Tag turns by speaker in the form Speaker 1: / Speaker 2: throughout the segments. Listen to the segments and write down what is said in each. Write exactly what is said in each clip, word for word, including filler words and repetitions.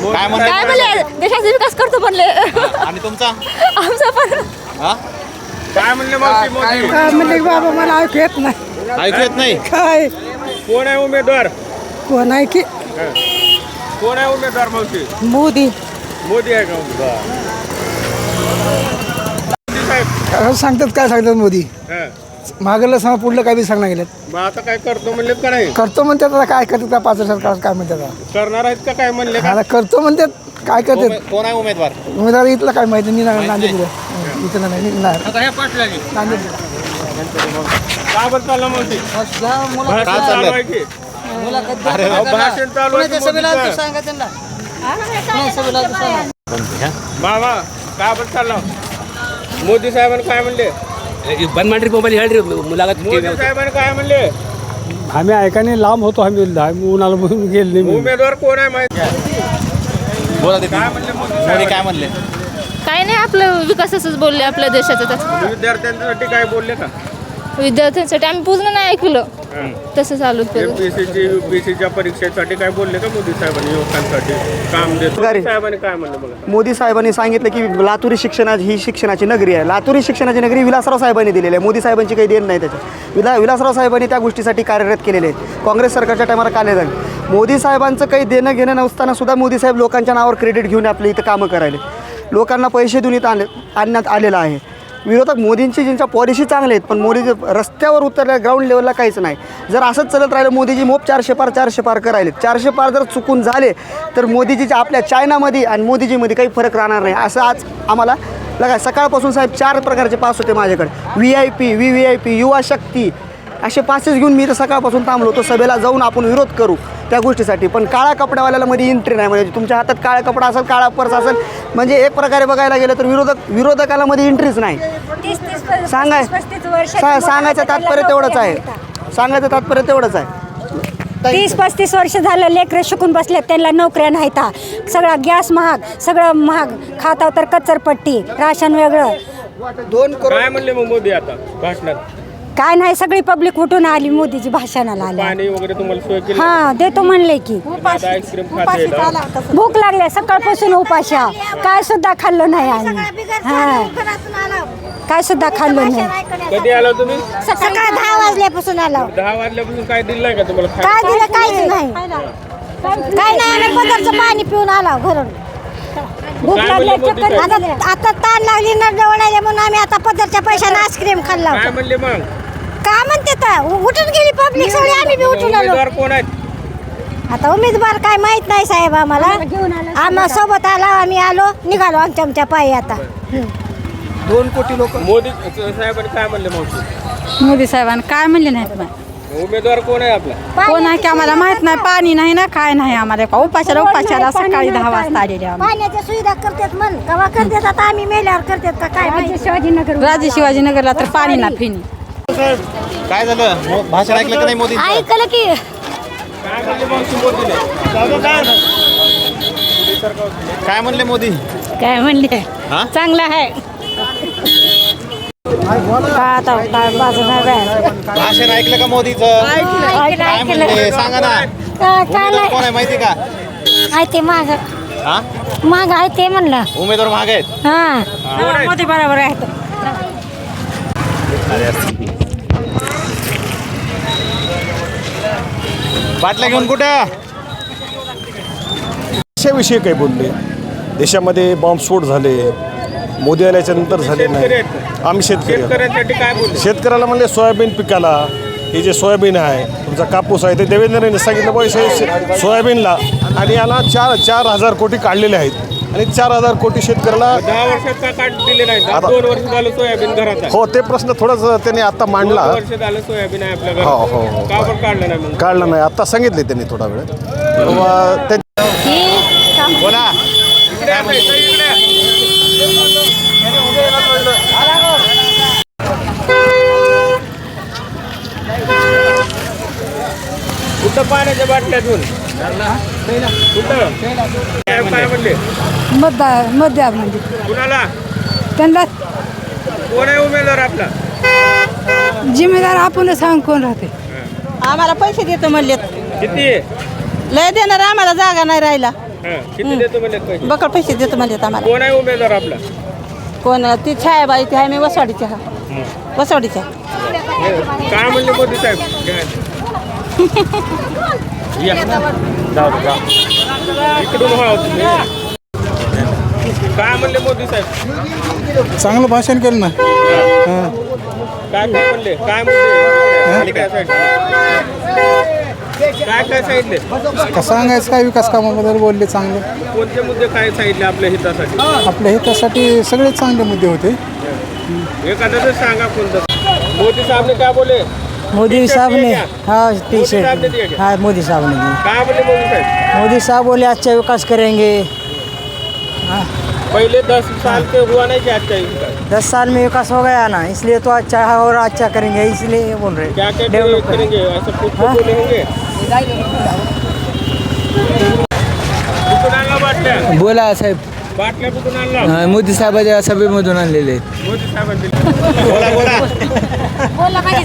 Speaker 1: काय म्हणले
Speaker 2: काय म्हणले देशाचा विकास करतो म्हणले.
Speaker 1: आणि तुमचा
Speaker 2: आमचा पण
Speaker 1: हा
Speaker 3: काय म्हणले मावशी मोदी?
Speaker 4: काय म्हणले बाबा मला ऐकू येत नाही.
Speaker 1: ऐकू येत नाही.
Speaker 4: काय
Speaker 3: कोण आहे उमेदवार?
Speaker 4: कोण आहे की
Speaker 3: कोण आहे उमेदवार मावशी?
Speaker 4: मोदी
Speaker 3: मोदी आहे का उमेदवार? मोदी साहेब
Speaker 4: सांगतात काय सांगतात मोदी
Speaker 3: हा.
Speaker 4: मागलं सांग पुढलं काय बी सांगणार गेलेत.
Speaker 3: मग आता काय करतो म्हणलेत का नाही?
Speaker 4: करतो म्हणतात आता काय करतात का पाच सरकार काय म्हणतात आता.
Speaker 3: करणार आहेत का काय म्हणले का?
Speaker 4: आता करतो म्हणतात काय करतात
Speaker 1: उमे- कोण आहे उमेदवार?
Speaker 4: उमेदवार इथलं काय माहिती नाही ना- नांदेड इथलं नाही नाही नांदेड
Speaker 3: का बरं चाललं मावशी? भाषण
Speaker 1: काय
Speaker 3: चालू
Speaker 1: चाललंय?
Speaker 3: आहे की?
Speaker 1: अरे
Speaker 3: अहो, भाषण चालू आहे की मोदीचं? बाबा का बरं चाललं? मोदी साहेबांनी काय म्हणले?
Speaker 5: बंद ಮಾಡ್ರಿ ಮೊಬೈಲ್ ಹೇಳ್ರಿ ಮುಲಾಗತ್
Speaker 3: मोदी साहेबांनी काय म्हणले?
Speaker 6: आम्ही ऐकाने लांब होतो आम्ही आम्ही उन्हाला म्हणून गेले नाही.
Speaker 3: उमेदवार कोण आहे माहिती आहे?
Speaker 1: बोला दीदी.
Speaker 3: काय म्हणले मोदी
Speaker 1: मोदी
Speaker 3: साहेब?
Speaker 1: काय म्हणले?
Speaker 2: काय नाही आपलं विकासाचंच बोलले आपल्या देशाचं. त्याचं
Speaker 3: विद्यार्थ्यांसाठी काय बोलले का?
Speaker 2: विद्यार्थ्यांसाठी आम्ही पूर्ण नाही ऐकलं तसं चालू केलं.
Speaker 3: एमपीएससीची युपीएससीच्या परीक्षेसाठी काय बोलले का मोदी साहेबांनी युवकांसाठी काम देतो? मोदी साहेबांनी काय म्हणलं बघा?
Speaker 7: मोदी साहेबांनी सांगितलं की लातूरी शिक्षणा ही शिक्षणाची नगरी आहे. लातूरी शिक्षणाची नगरी विलासराव साहेबांनी दिलेली आहे. मोदी साहेबांची काही देण नाही त्याच्यात. विला विलासराव साहेबांनी त्या गोष्टीसाठी कार्यरत केलेले आहेत. काँग्रेस सरकारच्या टायमाला काले झाले. मोदी साहेबांचं काही देणं घेणं नसताना सुद्धा मोदी साहेब लोकांच्या नावावर क्रेडिट घेऊन आपल्या इथं कामं करायले. लोकांना पैसे देऊन इथं आले आणण्यात आलेलं आहे. विरोधक मोदींची ज्यांच्या पॉलिसी चांगले आहेत पण मोदी रस्त्यावर उतरल्या ग्राउंड लेवलला काहीच नाही. जर असंच चालत राहिलं मोदीजी मोप चारशे पार चारशे पार करायले. चारशे पार जर चुकून झाले तर मोदीजीच्या आपल्या चायनामध्ये आणि मोदीजीमध्ये काही फरक राहणार नाही. असं आज आम्हाला लगा सकाळपासून साहेब चार प्रकारचे पास होते माझ्याकडे. V I P V V I P युवा शक्ती असे पासेस घेऊन मी इथं सकाळपासून थांबलो होतो. सभेला जाऊन आपण विरोध करू त्या गोष्टीसाठी. पण काळा कपड्यावाल्याला मध्ये एंट्री नाही. म्हणजे तुमच्या हातात काळा कपडा असेल काळा पर्स असेल म्हणजे एक प्रकारे बघायला गेलं तर विरोधक विरोधकाला मध्ये एंट्रीच नाही. सांगाय सा सांगायचं तात्पर्य तेवढंच आहे. सांगायचं तात्पर्य तेवढंच आहे.
Speaker 8: तीस पस्तीस वर्ष झालं लेकरं शिकून बसले त्यांना नोकऱ्या नाहीत. सगळा गॅस महाग सगळं महाग खाताव तर कचरपट्टी राशन वेगळं.
Speaker 7: दोन करोड
Speaker 3: काय म्हणले मग मोदी आता भाषणात?
Speaker 8: काय नाही सगळी पब्लिक उठून आली मोदीजी भाषणाला आली.
Speaker 3: पाणी वगैरे तुम्हाला सोय केली?
Speaker 8: हा देतो म्हणले की.
Speaker 3: आता आईस्क्रीम खाते येतं.
Speaker 8: भूक लागली सकाळपासून उपाशी आहो. काय सुद्धा खाल्लो नाही आम्ही. हा काय सुद्धा खाल्लो नाही.
Speaker 3: कधी आलो तुम्ही?
Speaker 8: सकाळी दहा वाजल्यापासून आलो.
Speaker 3: दहा वाजल्यापासून काय दिलंय का तुम्हाला
Speaker 8: काय
Speaker 3: खायला?
Speaker 8: दिलं काहीच नाही. काय नाही आम्ही पदरचं पाणी पिऊन आलो घरून. भूक
Speaker 3: काय
Speaker 8: लागली
Speaker 3: म्हणले मोदी
Speaker 8: चक्कर
Speaker 3: साहेब?
Speaker 8: आता आता ताण लागली ना जवळ म्हणून आम्ही आता पदरच्या पैशाने आईस्क्रीम खाल्ला.
Speaker 3: काय म्हणले मग?
Speaker 8: का म्हणते तर उठून गेली पब्लिक सगळी आम्ही बी उठून आलो.
Speaker 3: उमेदवार कोण आहेत?
Speaker 8: आता उमेदवार काय माहित नाही साहेब आम्हाला. आम्हा सोबत आला आम्ही आलो निघालो आमच्या आमच्या पायी. आता
Speaker 7: दोन कोटी लोक
Speaker 3: मोदी साहेबांनी काय म्हणले मावशी?
Speaker 4: मोदी साहेबांनी काय म्हणले नाहीत.
Speaker 3: उमेदवार कोण आहे आपला?
Speaker 4: कोण आहे की आम्हाला माहित नाही. पाणी नाही ना काय नाही आम्हाला. उपाशाला उपाशाला सकाळी दहा वाजता आलेले आम्ही.
Speaker 8: पाण्याच्या सुविधा करतात म्हण कवा करतात आता आम्ही मेल्यावर करतात का काय शिवाजीनगर
Speaker 4: राजे शिवाजीनगरला तर पाणी ना फिनी.
Speaker 1: काय झालं? मो- भाषण ऐकलं का नाही मोदी?
Speaker 8: ऐकलं की
Speaker 3: काय म्हणले मावशी मोदीने?
Speaker 1: काय म्हणले मोदी?
Speaker 2: काय म्हणले
Speaker 1: हा
Speaker 2: चांगलं आहे.
Speaker 1: भाषण ऐकलं का मोदीचं? काय म्हणले सांगा ना. उमेदवार कोण आहे माहिती का?
Speaker 8: आहे ते माग
Speaker 1: हा
Speaker 8: माग आहे ते म्हणलं.
Speaker 1: उमेदवार महाग आहेत.
Speaker 8: हा मोदी बरोबर आहे.
Speaker 1: बाटल्या घेऊन कुठं?
Speaker 9: देशाविषयी काही बोलले. देशामध्ये बॉम्बस्फोट झाले मोदी आल्याच्या नंतर झाले नाही. आम्ही शेतकरी आहोत.
Speaker 3: शेतकऱ्यांसाठी काय बोलले?
Speaker 9: शेतकऱ्याला म्हणले सोयाबीन पिकाला हे जे सोयाबीन आहे तुमचा कापूस आहे ते देवेंद्रने सांगितलं पैसे सोयाबीनला आणि याला चार चार हजार कोटी काढलेले आहेत आणि चार हजार कोटी शेतकऱ्याला
Speaker 3: दहा वर्षात का काढ दिले नाही?
Speaker 9: आता-
Speaker 3: दोन वर्ष झालं सोयाबीन घरात आहे.
Speaker 9: हो ते प्रश्न थोडंच त्यांनी आता मांडला.
Speaker 3: दोन वर्ष झालं सोयाबीन आहे आपल्या
Speaker 9: हो हो
Speaker 3: घरात.
Speaker 9: हो
Speaker 3: का बरं काढलं नाही मग?
Speaker 9: काढलं नाही आता सांगितले त्यांनी थोडा वेळ तेव्हा ते
Speaker 1: बोला.
Speaker 3: इकडे या, इकडे या. कुठं पाण्याच्या बाटल्या घेऊन कुठं काय काय म्हणले?
Speaker 4: मतदार मतदार म्हणजे
Speaker 3: कुणाला?
Speaker 4: त्यांना
Speaker 3: कोण आहे उमेदवार आपला?
Speaker 4: जिम्मेदार आपण सांग कोण राहते.
Speaker 10: आम्हाला पैसे देतो म्हणलेत.
Speaker 3: किती?
Speaker 10: लय देणार आम्हाला जागा नाही राहिला.
Speaker 3: हा, किती देतो म्हणजे पैसे
Speaker 4: बकड पैसे देतो म्हणजे आम्हाला.
Speaker 3: कोण आहे उमेदवार आपला
Speaker 4: कोण ती छायाबाई ती आहे मी वसवाडीच्या वसवाडीच्या
Speaker 3: काय म्हणले मोदी साहेब या. जाऊ दे, जाऊ. इकडून वळा तुम्ही. काय म्हणले मोदी साहेब
Speaker 1: चांगलं भाषण केलं ना.
Speaker 3: काय काय म्हणले काय म्हणले काय काय काय सांगितले
Speaker 1: का सांगायचं काय विकास कामाबद्दल बोलले चांगले.
Speaker 3: कोणते मुद्दे काय सांगितले आपल्या हितासाठी
Speaker 1: आपल्या हितासाठी सगळे चांगले मुद्दे होते.
Speaker 3: एखादं सांगा कोणतं मोदी साहेब ने क्या बोले
Speaker 10: मोदी साहब ने हाँ टी
Speaker 3: मोदी साहब ने दिया
Speaker 10: शर्ट
Speaker 3: क्या?
Speaker 10: हाँ मोदी साहब ने दी।
Speaker 3: काय बोले मोदी साहेब
Speaker 10: मोदी साहब बोले अच्छा विकास करेंगे।
Speaker 3: पहले दस साल के हुआ नहीं क्या अच्छा विकास
Speaker 10: दस साल में विकास हो गया ना, इसलिए तो अच्छा है और अच्छा करेंगे, इसलिए बोल रहे
Speaker 3: क्या क्या
Speaker 10: डेवलप
Speaker 3: करेंगे ऐसा कुछ तो बोले होंगे कुठून आणला बाटल्या
Speaker 10: बोला साहेब
Speaker 3: बाटल्या कुठून आणला
Speaker 10: मोदी साहेबाच्या सभेमधून आणलेले
Speaker 3: मोदी साहेबांनी बोला बोला
Speaker 2: बोला पाहिजे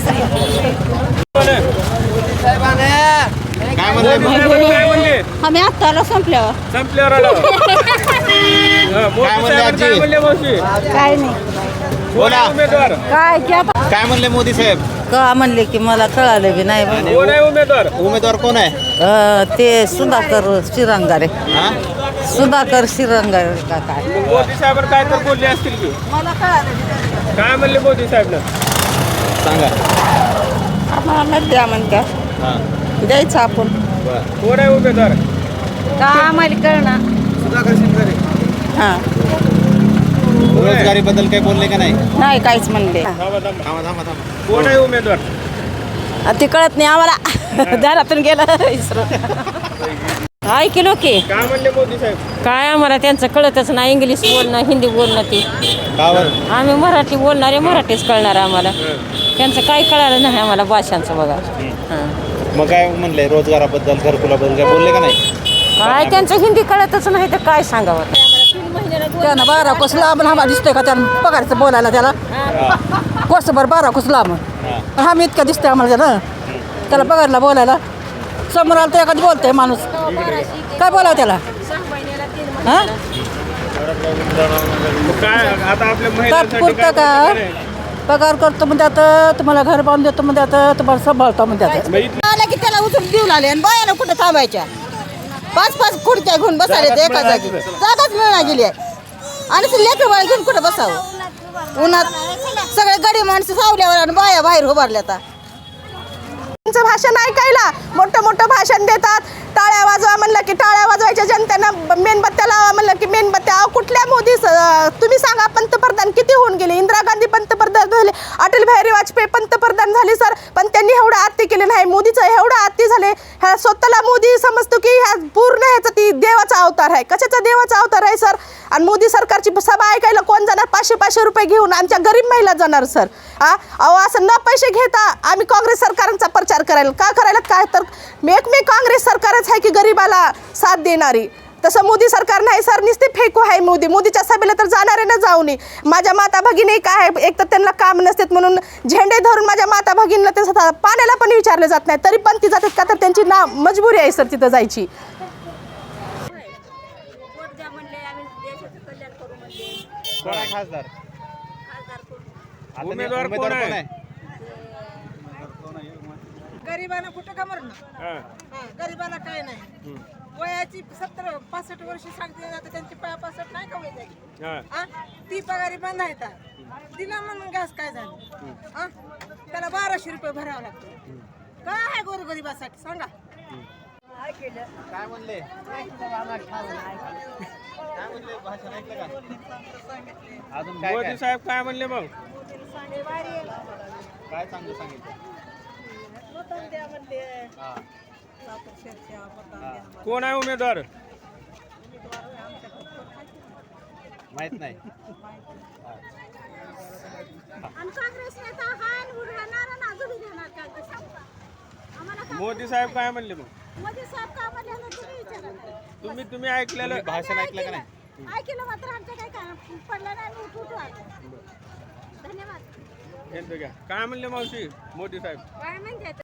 Speaker 1: काय म्हणले
Speaker 3: काय म्हणले
Speaker 4: आम्ही आता आलो संपल्यावर.
Speaker 3: संपल्यावर आलो हा, मोदी
Speaker 1: म्हणले
Speaker 3: साहेब काय
Speaker 1: आजी?
Speaker 3: म्हणले मावशी
Speaker 4: काय नाही
Speaker 3: कोण आहे उमेदवार
Speaker 4: काय की आता
Speaker 1: काय म्हणले मोदी साहेब.
Speaker 4: का म्हणले की मला कळालं बी नाही.
Speaker 3: कोण आहे उमेदवार
Speaker 1: उमेदवार कोण आहे.
Speaker 4: ते सुधाकर श्रीरंगारे
Speaker 1: हा
Speaker 4: सुधाकर श्रीरंगारे का काय
Speaker 3: मोदी साहेब काय तर बोलले असतील की
Speaker 4: मला कळालं.
Speaker 3: काय म्हणले मोदी साहेब
Speaker 1: सांगा.
Speaker 4: आम्हाला द्या म्हणत्या
Speaker 1: हा
Speaker 4: द्यायचं आपण.
Speaker 3: कोण आहे उमेदवार
Speaker 4: का आम्हाला कळणार.
Speaker 1: सुधाकर शिंदे.
Speaker 4: हां
Speaker 1: बेरोजगारी बद्दल काही बोलले का नाही.
Speaker 4: नाही काहीच म्हणले.
Speaker 3: थांबा थांबा
Speaker 1: थांबा थांबा थांबा.
Speaker 3: कोण आहे उमेदवार
Speaker 4: ते कळत नाही आम्हाला दारातून गेलं इसरून. ऐकलो की
Speaker 3: काय म्हणले मोदी साहेब
Speaker 4: काय आम्हाला त्यांचं कळतच नाही. इंग्लिश बोलणं हिंदी बोलणं ते
Speaker 1: कावर
Speaker 4: आम्ही मराठी बोलणारे मराठीच कळणार आम्हाला. त्यांचं काही कळालं नाही आम्हाला भाषांचं बघा. हां
Speaker 1: मग काय म्हणले रोजगाराबद्दल घरकुलाबद्दल काय बोलले का नाही.
Speaker 4: काय त्यांचं हिंदी कळतच नाही तर काय सांगावं. त्यानं बारा कोस लांब आम्हाला दिसतोय का त्यानं पगारचं बोलायला त्याला कोसभर बारा कोस लांब हा मी इतका दिसतोय आम्हाला त्याला त्याला पगारला बोलायला. समोर आलं तर एखादी बोलतोय माणूस काय बोलावं त्याला. हां
Speaker 3: मग काय आता आपल्या महिलांसाठी
Speaker 4: तात्पुरतं
Speaker 3: काय
Speaker 4: का
Speaker 3: बोलले नाही?
Speaker 4: पगार करतो म्हणजे आता तुम्हाला घर बांधून देतो म्हणजे आता तुम्हाला सांभाळतो म्हणजे आता
Speaker 3: मग इथं-
Speaker 4: आलं की त्याला उचलून देऊ लागले आणि बायाला कुठं थांबायच्या. पाच पाच खुर्च्या घेऊन बसायला ते एका जागी जागाच मिळणार गेली आहे. आणि ते लेकरं बाळ घेऊन कुठं बसावं उन्हात. सगळे गडी माणसं सावल्यावर आणि बाया बाहेर उभारल्या आता. त्यांचं भाषण ऐकायला मोठं मोठं भाषण देतात. टाळ्या वाजवा म्हणलं की टाळ्या वाजवायच्या, जनतेनं मेणबत्त्या लावा म्हणलं की मेणबत्त्या. कुठल्या मोदी तुम्ही सांगा पंतप्रधान किती होऊन गेले. इंदिरा गांधी पंतप्रधान झाले, अटल बिहारी वाजपेयी पंतप्रधान झाले सर, पण त्यांनी एवढं आत्ती केले नाही. मोदीचं एवढं आत्ती झाले. ह्या स्वतःला मोदी समजतो की ह्या पूर्ण ह्याचा ती देवाचा अवतार आहे. कशाचा देवाचा अवतार आहे सर. आणि मोदी सरकारची सभा ऐकायला कोण जाणार. पाचशे पाचशे रुपये घेऊन आमच्या गरीब महिला जाणार सर. हा अहो असं न पैसे घेता आम्ही काँग्रेस सरकारांचा प्रचार करायला का करायला काय तर एक मी काँग्रेस सरकारच आहे की गरीबाला साथ देणारी. तसं मोदी सरकार नाही सर. नुसते फेकू आहे मोदी. मोदीच्या सभेला तर जाणारे ना जाऊ नये. माझ्या माता भगिनी काय एक तर त्यांना काम नसतात म्हणून झेंडे धरून माझ्या माता भगिनीला ते पाण्याला पण विचारलं जात नाही तरी पण ती जातात का तर त्यांची ना मजबुरी आहे सर तिथं जायची.
Speaker 1: कोण आहे खासदार.
Speaker 3: उमेदवार कोण आहे
Speaker 4: गरीबांना कुठं का मरणं.
Speaker 3: हा.
Speaker 4: गरीबाला काय नाही. वयाची सत्तर पासष्ट वर्ष सांगते आता त्यांची पाय पासष्ट नाही का वय जागी.
Speaker 3: हा.
Speaker 4: ती पगारी बंद आहे का दिला म्हणून गॅस काय झालं. हा त्याला बाराशे रुपये भरावं लागतं. काय आहे गोरगरिबासाठी सांगा.
Speaker 1: काय म्हणले काय म्हणले भाषण ऐकलं का. अजून काय
Speaker 3: मोदी
Speaker 1: काय
Speaker 3: साहेब काय म्हणले मग
Speaker 1: काय चांगलं सांगितलं. हा.
Speaker 3: कोण आहे उमेदवार
Speaker 1: माहित नाही.
Speaker 3: मोदी साहेब काय म्हणले मग तुम्ही तुम्ही ऐकलेलं
Speaker 1: भाषण ऐकलं का नाही.
Speaker 2: ऐकलं मात्र आमच्या काही काम पडलं नाही. उठू धन्यवाद.
Speaker 3: यांचं घ्या. काय म्हणले मावशी मोदी साहेब
Speaker 2: काय म्हणते